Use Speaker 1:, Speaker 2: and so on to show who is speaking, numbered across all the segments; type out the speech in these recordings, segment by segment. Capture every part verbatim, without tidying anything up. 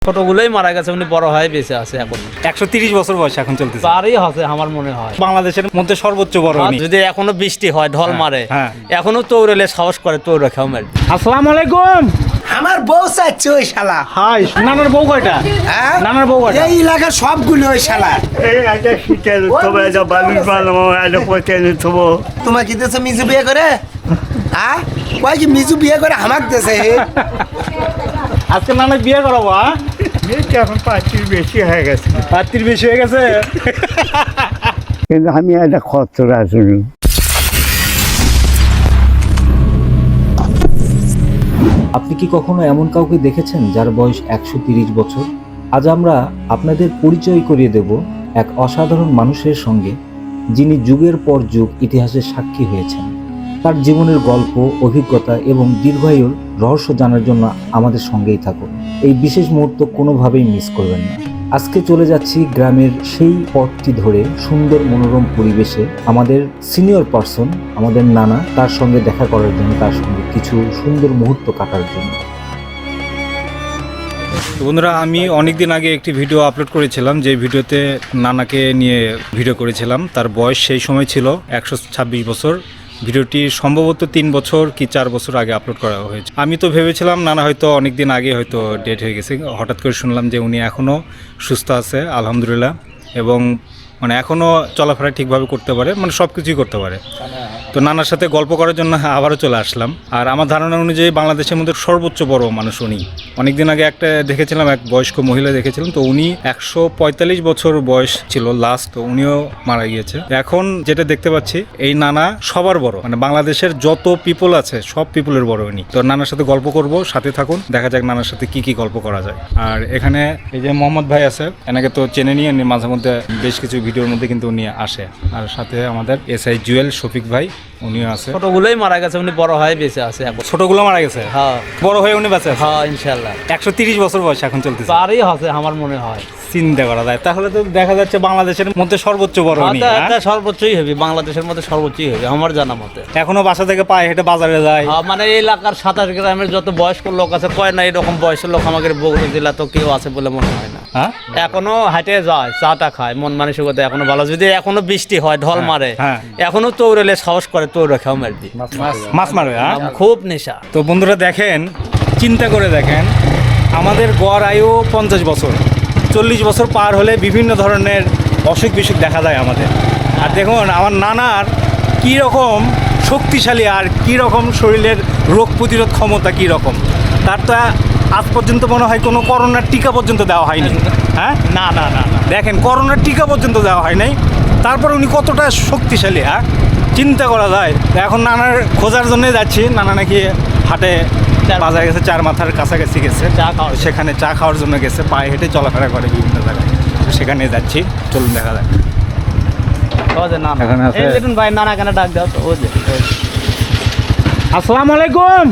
Speaker 1: ছোটগুলোই মারা গেছে, উনি বড় হয়ে বেঁচে আছে এখন।
Speaker 2: একশো তিরিশ বছর বয়স এখন চলতেছে।
Speaker 1: তারই আছে আমার মনে হয়
Speaker 2: বাংলাদেশের মধ্যে সর্বোচ্চ বড় উনি।
Speaker 1: যদি এখনো বৃষ্টি হয় ঢল মারে,
Speaker 2: হ্যাঁ।
Speaker 1: এখনো তৌরেলে সাহস করে তৌরে খাও মারি।
Speaker 2: আসসালামু আলাইকুম।
Speaker 3: আমার বউ চাচ্ছে ওই শালা।
Speaker 2: হাই, নানার বউ কয়টা?
Speaker 3: হ্যাঁ?
Speaker 2: নানার বউ কয়টা?
Speaker 3: এই এলাকার সবগুলো ওই শালা।
Speaker 4: এই একটা শীতের উৎসব, একটা বালুর বানাবো, একটা পচের উৎসব।
Speaker 3: তোমার কি দেশে মিজু বিয়ে করে? হ্যাঁ, কয় কি মিজু বিয়ে করে হামাক দেশে?
Speaker 2: আজকে নানা বিয়ে করাবো? হ্যাঁ,
Speaker 4: মেয়েটা এখন পাঁচটির বেশি হয়ে গেছে,
Speaker 2: পাত্রীর বেশি হয়ে গেছে।
Speaker 4: কিন্তু আমি একটা খরচরা শুনি।
Speaker 5: আপনি কি কখনো এমন কাউকে দেখেছেন যার বয়স একশো তিরিশ বছর? আজ আমরা আপনাদের পরিচয় করিয়ে দেব এক অসাধারণ মানুষের সঙ্গে, যিনি যুগের পর যুগ ইতিহাসের সাক্ষী হয়েছেন। তার জীবনের গল্প, অভিজ্ঞতা এবং দীর্ঘায়ুর রহস্য জানার জন্য আমাদের সঙ্গেই থাকুন। এই বিশেষ মুহূর্ত কোনোভাবেই মিস করবেন না। আজকে চলে যাচ্ছি গ্রামের সেই পথটি ধরে, সুন্দর মনোরম পরিবেশে আমাদের সিনিয়র পার্সন, আমাদের নানা, তার সঙ্গে দেখা করার জন্য, তার সঙ্গে কিছু সুন্দর মুহূর্ত কাটার জন্য।
Speaker 2: তো বন্ধুরা, আমি অনেকদিন আগে একটি ভিডিও আপলোড করেছিলাম, যে ভিডিওতে নানাকে নিয়ে ভিডিও করেছিলাম। তার বয়স সেই সময় ছিল একশো ছাব্বিশ বছর। ভিডিওটি সম্ভবত তিন বছর কি চার বছর আগে আপলোড করা হয়েছে। আমি তো ভেবেছিলাম নানা হয়তো অনেক দিন আগে হয়তো ডেট হয়ে গেছে। হঠাৎ করে শুনলাম যে উনি এখনও সুস্থ আছে, আলহামদুলিল্লাহ, এবং মানে এখনও চলাফেরা ঠিকভাবে করতে পারে, মানে সব কিছুই করতে পারে। তো নানার সাথে গল্প করার জন্য আবারও চলে আসলাম। আর আমার ধারণা অনুযায়ী বাংলাদেশের মধ্যে সর্বোচ্চ বড় মানুষ উনি। অনেকদিন আগে একটা দেখেছিলাম, এক বয়স্ক মহিলা দেখেছিলাম, তো উনি একশো পঁয়তাল্লিশ বছর বয়স ছিল লাস্ট, তো উনিও মারা গিয়েছে। এখন যেটা দেখতে পাচ্ছি, এই নানা সবার বড়, মানে বাংলাদেশের যত পিপল আছে সব পিপলের বড় উনি। তো নানার সাথে গল্প করব, সাথে থাকুন, দেখা যাক নানার সাথে কি কি গল্প করা যায়। আর এখানে এই যে মোহাম্মদ ভাই আছে, এনাকে তো চেনে নিয়ে মাঝে মধ্যে বেশ কিছু ভিডিওর মধ্যে কিন্তু উনি আসে। আর সাথে আমাদের এস আই জুয়েল শফিক ভাই, উনিও আছে।
Speaker 1: ছোটগুলোই মারা গেছে, উনি বড় হয়ে বেঁচে আছে এখন।
Speaker 2: ছোটগুলো মারা গেছে,
Speaker 1: হ্যাঁ,
Speaker 2: বড় হয়ে উনি বাঁচে আছে।
Speaker 1: হ্যাঁ ইনশাল্লাহ।
Speaker 2: একশো তিরিশ বছর বয়স এখন চলতেছে।
Speaker 1: তারই আছে আমার মনে হয়।
Speaker 2: চিন্তা করা যায়, তাহলে তো দেখা যাচ্ছে বাংলাদেশের মধ্যে সর্বোচ্চ বড় উনি।
Speaker 1: এটা-
Speaker 2: হ্যাঁ?
Speaker 1: এটা সর্বোচ্চই হবে, বাংলাদেশের মধ্যে সর্বোচ্চই হবে আমার জানা মতে।
Speaker 2: এখনো বাসা থেকে পায়ে হেঁটে বাজারে যায়।
Speaker 1: হ্যাঁ, মানে এই এলাকার সাতাশ গ্রামের যত বয়স্ক লোক আছে, কয় না এরকম বয়সের লোক আমাদের বগুড়া জেলা তো কেউ আছে বলে মনে হয় না।
Speaker 2: হ্যাঁ,
Speaker 1: এখনো হাঁটে যায়, চাটা খায়, মন মানসিকতা এখনো ভালো। যদি এখনো বৃষ্টি হয় ঢল মারে,
Speaker 2: হ্যাঁ।
Speaker 1: এখনো তৌরেলে সাহস করে তৌরে খাও মারবি।
Speaker 2: মাছ মারবে। হ্যাঁ,
Speaker 1: খুব নেশা।
Speaker 2: তো বন্ধুরা দেখেন, চিন্তা করে দেখেন, আমাদের গড় আয়ু পঞ্চাশ বছর, চল্লিশ বছর পার হলে বিভিন্ন ধরনের অসুখ বিসুখ দেখা যায় আমাদের। আর দেখুন আমার নানার কী রকম শক্তিশালী, আর কী রকম শরীরের রোগ প্রতিরোধ ক্ষমতা কী রকম। তার তো আজ পর্যন্ত মনে হয় কোনো করোনার টিকা পর্যন্ত দেওয়া হয়নি। হ্যাঁ,
Speaker 1: না না না না
Speaker 2: দেখেন, করোনার টিকা পর্যন্ত দেওয়া হয় নাই, তারপর উনি কতটা শক্তিশালী। হ্যাঁ, চিন্তা করা যায়। এখন নানার খোঁজার জন্য যাচ্ছি। নানা নাকি হাটে বাজারে গেছে, চার মাথার কাছাকাছি গেছে,
Speaker 1: চা খাওয়া।
Speaker 2: সেখানে চা খাওয়ার জন্য গেছে, পায়ে হেঁটে চলাফেরা করে বিভিন্ন জায়গায়। তো সেখানে যাচ্ছি, চলুন দেখা যাক।
Speaker 1: ও যে না না।
Speaker 2: এখানে আছে।
Speaker 1: এই দেখুন ভাই, নানা কেন ডাক দাও তো। ও যে ও যে।
Speaker 2: আসসালামু আলাইকুম।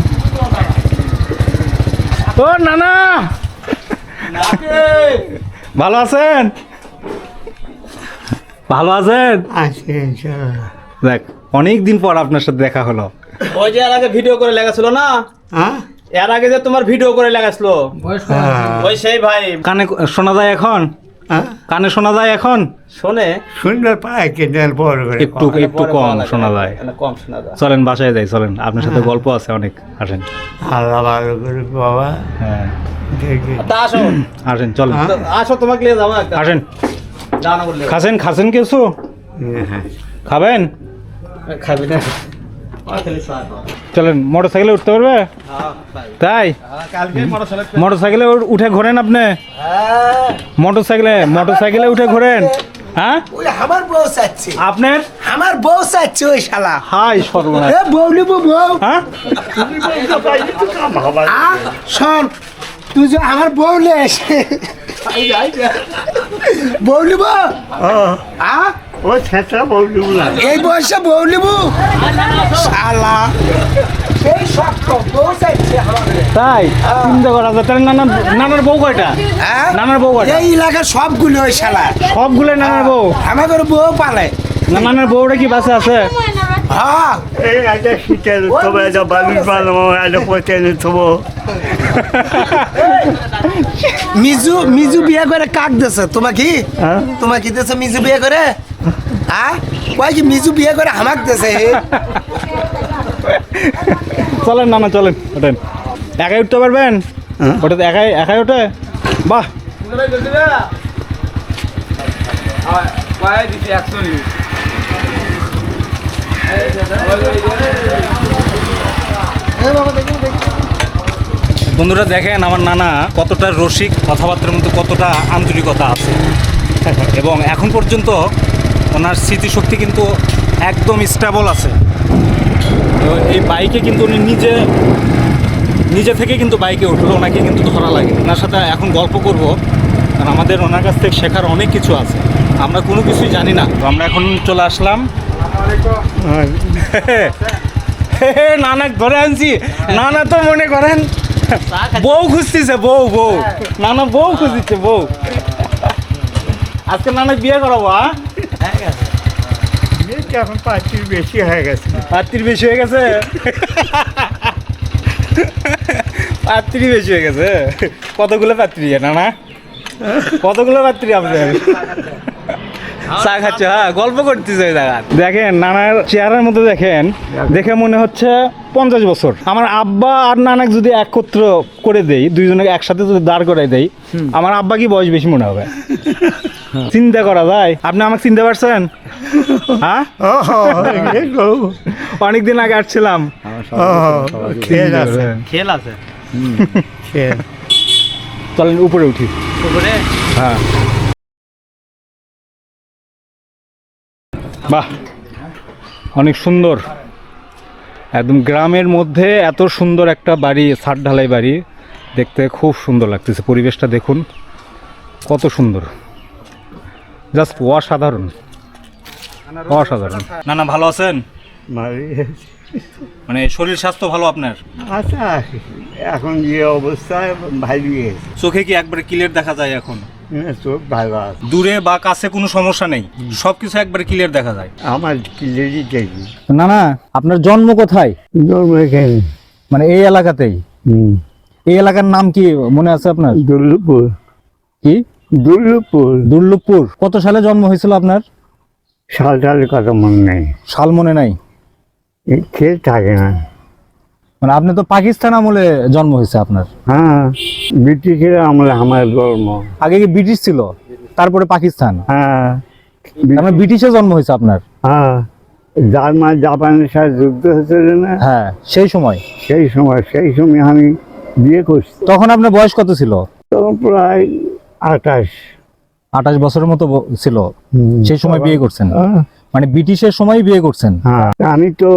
Speaker 2: ও নানা, ভালো আছেন? ভালো আছেন?
Speaker 4: আছে ইনশাআল্লাহ।
Speaker 2: দেখ, অনেক দিন পর আপনার সাথে দেখা হলো।
Speaker 1: ওই যে এর আগে ভিডিও করে লেগেছিল না,
Speaker 4: হ্যাঁ,
Speaker 1: এর আগে যে তোমার ভিডিও করে লেগেছিল, ওই সেই ভাই।
Speaker 2: কানে শোনা যায় এখন?
Speaker 4: হ্যাঁ,
Speaker 2: কানে শোনা যায় এখন?
Speaker 1: শোনে
Speaker 4: সুন্দর পায় কিন্তু বড় করে
Speaker 2: একটু একটু
Speaker 1: পরে
Speaker 2: কম
Speaker 1: ভালো লাগে।
Speaker 2: শোনা যায়।
Speaker 1: না, কম শোনা যায়।
Speaker 2: চলেন বাসায় যাই, চলেন, আপনার সাথে গল্প আছে অনেক। আসেন।
Speaker 4: আল্লাহ ভালো করে বাবা
Speaker 2: হ্যাঁ,
Speaker 4: দেখি।
Speaker 1: তা আসো,
Speaker 2: আসেন, চলেন,
Speaker 1: তো আসো, তোমাকে নিয়ে যাবো একটা।
Speaker 2: আসেন।
Speaker 1: দানা বললে
Speaker 2: খাসেন, খাসেন কিছু
Speaker 4: হ্যাঁ,
Speaker 2: খাবেন?
Speaker 1: খাবি না। আর খালি চা খাও।
Speaker 2: চলেন, মোটর সাইকেলে উঠতে পারবে?
Speaker 1: হ্যাঁ, ভাই।
Speaker 2: তাই
Speaker 1: হ্যাঁ, কালকে মোটরসাইকেল।
Speaker 2: মোটর সাইকেলে উঠে ঘোরেন আপনি?
Speaker 3: হ্যাঁ,
Speaker 2: মোটর সাইকেলে মোটর সাইকেলে উঠে ঘোরেন? হ্যাঁ,
Speaker 3: ওই আমার বউ চাচ্ছে।
Speaker 2: আপনার?
Speaker 3: আমার বউ চাচ্ছে ওই শালা।
Speaker 2: হাই সর্বনাশ।
Speaker 3: এ বউ নিবো বউ।
Speaker 2: হ্যাঁ,
Speaker 3: আ, শোন, তুই যে আমার বউ নেস, বউ নিব। আ,
Speaker 4: ও ছেঁচা বললু না।
Speaker 3: এই বয়সে বউ নিব শালা। সেই শক্ত বউ চাচ্ছে আমাদের।
Speaker 2: তাই চিন্তা করা যায়। তাহলে নানা, নানার বউ কয়টা?
Speaker 3: হ্যাঁ?
Speaker 2: নানার বউ কয়টা?
Speaker 3: এই এলাকার সবগুলো ওই শালা।
Speaker 2: সবগুলো নানার বউ?
Speaker 3: আমাদের বউ পালে।
Speaker 2: না, নানার বউটা কি বাসা আছে?
Speaker 3: হ্যাঁ,
Speaker 4: এই একটা শীতের উৎসব, একটা বালুর বানাবো, একটা পচের উৎসব।
Speaker 3: মিজু মিজু বিয়ে করে কাক দেছে তোমার কি
Speaker 4: হ্যাঁ?
Speaker 3: তোমার কি দেছে মিজু বিয়ে করে হ্যাঁ কয় কি মিজু বিয়ে করে হামাক দেছে
Speaker 2: চলেন না না চলেন ওঠেন একাই উঠতে পারবেন
Speaker 4: হ্যাঁ।
Speaker 2: ওটাতে একাই একাই ওঠে বাহ বন্ধুরা দেখেন আমার নানা কতটা রসিক, কথাবার্তার মধ্যে কতটা আন্তরিকতা আছে এবং এখন পর্যন্ত ওনার স্মৃতিশক্তি কিন্তু একদম স্টেবল আছে। তো এই বাইকে কিন্তু উনি নিজে নিজে থেকে কিন্তু বাইকে উঠলো, ওনাকে কিন্তু ধরা লাগে। ওনার সাথে এখন গল্প করব, কারণ আমাদের ওনার কাছ থেকে শেখার অনেক কিছু আছে, আমরা কোনো কিছুই জানি না। তো আমরা এখন চলে আসলাম নানা ধরে আনছি। নানা তো মনে করেন বউ খুঁজতেছে, বউ বউ নানা বউ খুঁজতেছে বউ। আজকে নানা বিয়ে করাবো হ্যাঁ
Speaker 4: এখন পাঁচটির বেশি হয়ে গেছে।
Speaker 2: পাত্রী বেশি হয়ে গেছে পাত্রী বেশি হয়ে গেছে কতগুলো পাত্রী নানা কতগুলো পাত্রী আপনার চা খাচ্ছে হ্যাঁ গল্প করতেছে ওই জায়গা। দেখেন নানার চেহারার মধ্যে দেখেন, দেখে মনে হচ্ছে পঞ্চাশ বছর। আমার আব্বা আর নানাকে যদি একত্র করে দেই, দুইজনকে একসাথে যদি দাঁড় করাই দেই, আমার আব্বা কি বয়স বেশি মনে হবে? চিন্তা করা যায়? আপনি আমাকে চিনতে পারছেন? হ্যাঁ অনেকদিন আগে আসছিলাম।
Speaker 4: খেল আছে,
Speaker 1: খেল আছে
Speaker 4: খেল।
Speaker 2: চলেন উপরে উঠি।
Speaker 1: উপরে
Speaker 2: হ্যাঁ বাহ অনেক সুন্দর, একদম গ্রামের মধ্যে এত সুন্দর একটা বাড়ি, ছাদ ঢালাই বাড়ি, দেখতে খুব সুন্দর লাগতেছে। পরিবেশটা দেখুন কত সুন্দর, জাস্ট অসাধারণ অসাধারণ। না না ভালো আছেন? মানে শরীর স্বাস্থ্য ভালো আপনার?
Speaker 4: আচ্ছা এখন যে অবস্থায় ভালো গেছে,
Speaker 2: চোখে কি একবারে ক্লিয়ার দেখা যায় এখন?
Speaker 4: চোখ ভালো আছে,
Speaker 2: দূরে বা কাছে কোনো সমস্যা নেই, সবকিছু একবারে ক্লিয়ার দেখা যায়।
Speaker 4: আমার ক্লিয়ারই দেখি।
Speaker 5: না না আপনার জন্ম কোথায়?
Speaker 4: জন্ম এখানে,
Speaker 5: মানে এই এলাকাতেই?
Speaker 4: হুম,
Speaker 5: এই এলাকার নাম কি মনে আছে আপনার?
Speaker 4: দুর্লভপুর।
Speaker 5: কি?
Speaker 4: দুর্লভপুর।
Speaker 5: দুর্লভপুর। কত সালে জন্ম হয়েছিল আপনার?
Speaker 4: সাল টালের কথা মনে নেই,
Speaker 5: সাল মনে নাই?
Speaker 4: এই খেল থাকে না।
Speaker 5: মানে আপনি তো পাকিস্তান আমলে জন্ম হয়েছে আপনার?
Speaker 4: হ্যাঁ ব্রিটিশের আমলে আমার জন্ম।
Speaker 5: আগে কি ব্রিটিশ ছিল, তারপরে পাকিস্তান?
Speaker 4: হ্যাঁ
Speaker 5: মানে ব্রিটিশে জন্ম হয়েছে আপনার?
Speaker 4: হ্যাঁ জার্মান জাপানের সাথে যুদ্ধ হয়েছিল না,
Speaker 5: হ্যাঁ সেই সময়।
Speaker 4: সেই সময় সেই সময় আমি বিয়ে করছি।
Speaker 5: তখন আপনার বয়স কত ছিল?
Speaker 4: তখন প্রায় আঠাশ
Speaker 5: আঠাশ বছরের মতো ব- ছিল সেই সময় বিয়ে করছেন?
Speaker 4: হ্যাঁ,
Speaker 5: মানে ব্রিটিশের সময় বিয়ে করছেন?
Speaker 4: হ্যাঁ আমি তো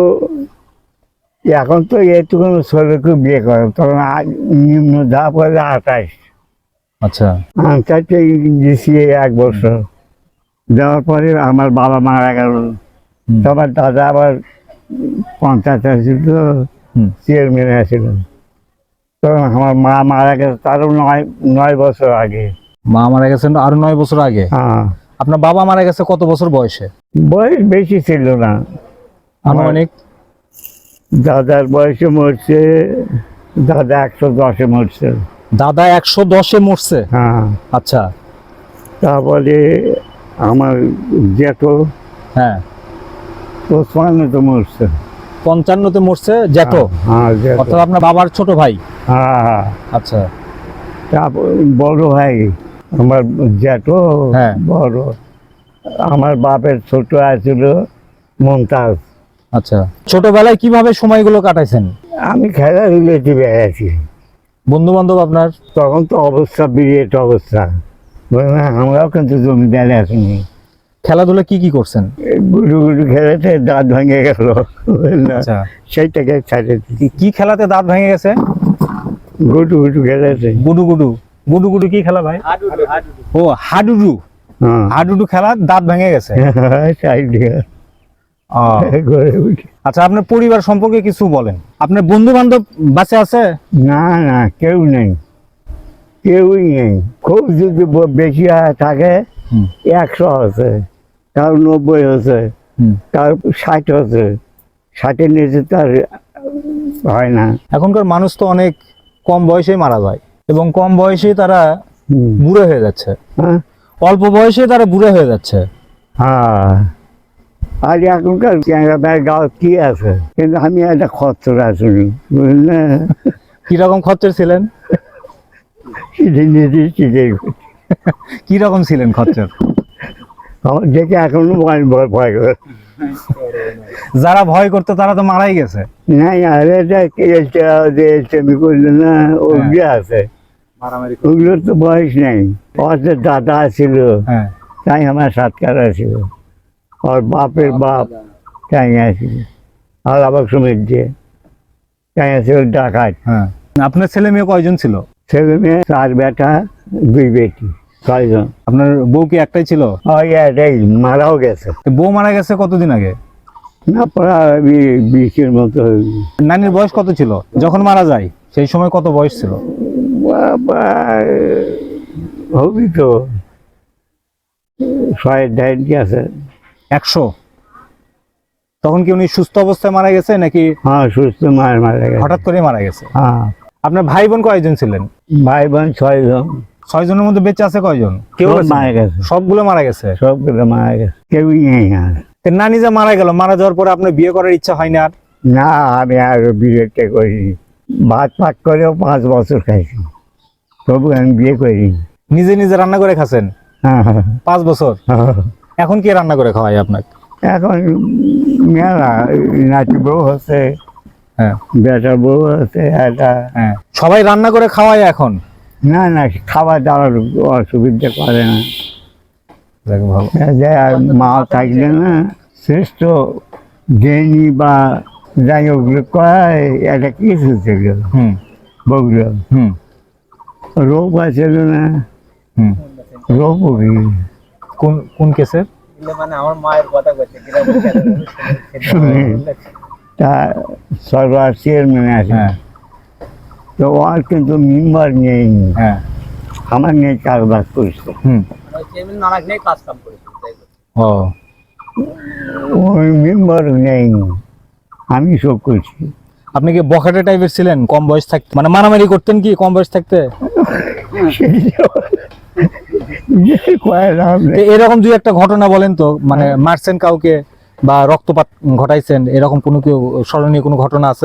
Speaker 4: এখন তো এইটুকু ছেলেকে বিয়ে করে, তখন আ- নিম্ন যা পড়ে আঠাশ।
Speaker 5: আচ্ছা।
Speaker 4: আনসারটা দিয়েছি এক বছর, দেওয়ার পরে আমার বাবা মারা গেল।
Speaker 5: হুম।
Speaker 4: তোমার দাদা আবার পঞ্চায়েত আছিল,
Speaker 5: হুম।
Speaker 4: চেয়ারম্যান আছিল। তখন আমার মা মারা গেছে তারও নয় নয় বছর আগে।
Speaker 5: মা মারা গেছেন আরো নয় বছর আগে?
Speaker 4: হ্যাঁ
Speaker 5: আপনার বাবা মারা গেছে কত বছর বয়সে?
Speaker 4: বয়স বেশি ছিল না,
Speaker 5: আনুমানিক?
Speaker 4: দাদার বয়সে মরছে, দাদা একশো দশে মরছে।
Speaker 5: দাদা একশো দশে মরছে?
Speaker 4: হ্যাঁ
Speaker 5: আচ্ছা।
Speaker 4: তারপরে আমার জেঠো
Speaker 5: হ্যাঁ
Speaker 4: পঁচপান্নতে মরছে।
Speaker 5: পঞ্চান্নতে মরছে জ্যাঠো?
Speaker 4: হ্যাঁ জেঠো।
Speaker 5: অর্থাৎ আপনার বাবার ছোট ভাই?
Speaker 4: হ্যাঁ
Speaker 5: আচ্ছা।
Speaker 4: তারপর বড় ভাই আমার জেঠো,
Speaker 5: হ্যাঁ।
Speaker 4: বড়। আমার বাপের ছোট আছিল মমতাজ।
Speaker 5: আচ্ছা। ছোটবেলায় কিভাবে সময়গুলো কাটাইছেন?
Speaker 4: আমি খেলা রিলেটিভে আছি,
Speaker 5: বন্ধু বান্ধব আপনার?
Speaker 4: তখন তো অবস্থা বিরাট অবস্থা, বুঝলেন? আমরাও কিন্তু জমিদারে আসিনি।
Speaker 5: খেলাধুলা কি কি করছেন?
Speaker 4: এই গুডু গুডু খেলেতে দাঁত ভেঙে গেল, বুঝলেন?
Speaker 5: আচ্ছা।
Speaker 4: সেইটাকে ছাড়ে দিই।
Speaker 5: কি- কি খেলাতে দাঁত ভেঙে গেছে?
Speaker 4: গুডু গুডু খেলেছে।
Speaker 5: গুডু গুডু? গুডু গুডু কি খেলা ভাই? ও হাডুডু।
Speaker 4: হ্যাঁ
Speaker 5: হাডুডু খেলা দাঁত ভেঙে গেছে?
Speaker 4: সাইড দিয়ে
Speaker 5: ও,
Speaker 4: ঘরে উঠে।
Speaker 5: আচ্ছা আপনার পরিবার সম্পর্কে কিছু বলেন। আপনার বন্ধু বান্ধব বাঁচে আছে?
Speaker 4: না না কেউ নেই, কেউই নেই। খুব যদি ব- বেশি হয় থাকে
Speaker 5: হুম।
Speaker 4: একশো আছে, কারো নব্বই আছে,
Speaker 5: হুম।
Speaker 4: কারো ষাট আছে। ষাটের নিচে তার হয় না।
Speaker 5: এখনকার মানুষ তো অনেক কম বয়সেই মারা যায় এবং কম বয়সেই তারা
Speaker 4: হুম।
Speaker 5: বুড়ো হয়ে যাচ্ছে,
Speaker 4: হ্যাঁ
Speaker 5: অল্প বয়সে তারা বুড়ো হয়ে যাচ্ছে।
Speaker 4: হ্যাঁ আর এখনকার ক্যামেরা গাও কি আছে, কিন্তু আমি একটা খচ্চর আসুনি বুঝলেন,
Speaker 5: কিরকম খচ্চর ছিলেন?
Speaker 4: চিঠি নিয়েছি চিঠি
Speaker 5: কিরকম ছিলেন খচ্চর?
Speaker 4: আমার দেখে এখনো ভয় ভয় ভয় করে।
Speaker 5: যারা ভয় করতো তারা তো মারাই গেছে।
Speaker 4: না আর এটা আমি করলে না ওগুলো আছে, ওগুলোর তো বয়স নেই। ওর যে দাদা ছিল
Speaker 5: হ্যাঁ
Speaker 4: তাই আমার সাতকার ছিল, ওর বাপের বাপ তাই আছিল, আর আবার সময় দিয়ে তাই আছিল ডাকাত।
Speaker 5: হ্যাঁ। আপনার ছেলে মেয়ে কয়জন ছিল?
Speaker 4: ছেলে মেয়ে চার বেটা দুই বেটি ছয়জন।
Speaker 5: আপনার বউ কি একটাই ছিল?
Speaker 4: ওই এটাই মারাও গেছে,
Speaker 5: তো বউ মারা গেছে কতদিন আগে?
Speaker 4: না প্রায় বিশের মতো হয়েছে।
Speaker 5: নানির বয়স কত ছিল যখন মারা যায়? সেই সময় কত বয়স ছিল?
Speaker 4: বাবা হবি তো ছয় ঢাই আছে।
Speaker 5: একশো? তখন কি উনি সুস্থ অবস্থায় মারা গেছে নাকি
Speaker 4: হ্যাঁ সুস্থ মার মারা গেছে।
Speaker 5: হঠাৎ করে মারা গেছে?
Speaker 4: হ্যাঁ
Speaker 5: আপনার ভাই বোন কয়জন ছিলেন?
Speaker 4: ভাই বোন ছয়জন।
Speaker 5: ছয় জনের মধ্যে বেঁচে আছে কয়জন? কেউ
Speaker 4: সব
Speaker 5: বেঁচে নেই?
Speaker 4: মারা গেছে,
Speaker 5: সবগুলো মারা গেছে।
Speaker 4: সবগুলো মারা গেছে, কেউই নেই আর।
Speaker 5: তো নানি যে মারা গেল, মারা যাওয়ার পরে আপনার বিয়ে করার ইচ্ছা হয় না আর?
Speaker 4: না আমি আরো বিয়েটা করিনি, ভাত পাক করেও পাঁচ বছর খাইছি, তবু আমি বিয়ে করিনি।
Speaker 5: নিজে নিজে রান্না করে খাচ্ছেন
Speaker 4: হ্যাঁ
Speaker 5: পাঁচ বছর? এখন কে রান্না করে খাওয়ায় আপনাকে?
Speaker 4: এখন মেলা নাতি বউ হচ্ছে,
Speaker 5: হ্যাঁ
Speaker 4: বেটা বউ হচ্ছে একটা।
Speaker 5: হ্যাঁ, সবাই রান্না করে খাওয়ায় এখন?
Speaker 4: না না খাওয়া দাওয়ার অসুবিধা করে না,
Speaker 5: যাক ভালো।
Speaker 4: যে আর মা থাকলে না শ্রেষ্ঠ জ্ঞানী বা যাই ওগুলো কয় একটা কিছু ছিল
Speaker 5: হুম
Speaker 4: বগুলো,
Speaker 5: হুম
Speaker 4: রোগ আছিল না,
Speaker 5: হুম।
Speaker 4: রোগ
Speaker 5: কোন কোন কেসের?
Speaker 4: তা সরকার চেয়ারম্যান আছে,
Speaker 5: হ্যাঁ
Speaker 4: তো ওর কিন্তু মেম্বার নেই,
Speaker 5: হ্যাঁ
Speaker 4: আমার নিয়ে চাষবাস করছে,
Speaker 5: হুম। ও
Speaker 4: ওই মেম্বার নেই, আমি সব করছি।
Speaker 5: আপনি কি বখাটে টাইপের ছিলেন কম বয়স থাকতে? মানে মারামারি করতেন কি কম বয়স থাকতে? তো এরকম দুই একটা ঘটনা বলেন তো, মানে মারছেন কাউকে বা রক্তপাত ঘটাইছেন, এরকম কোনো কেউ স্মরণীয় কোনো ঘটনা আছে?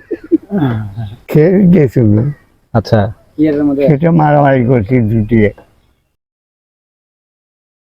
Speaker 4: খেয়ে গেছিল,
Speaker 5: আচ্ছা
Speaker 4: সেটা মারামারি করছি দুটিয়ে।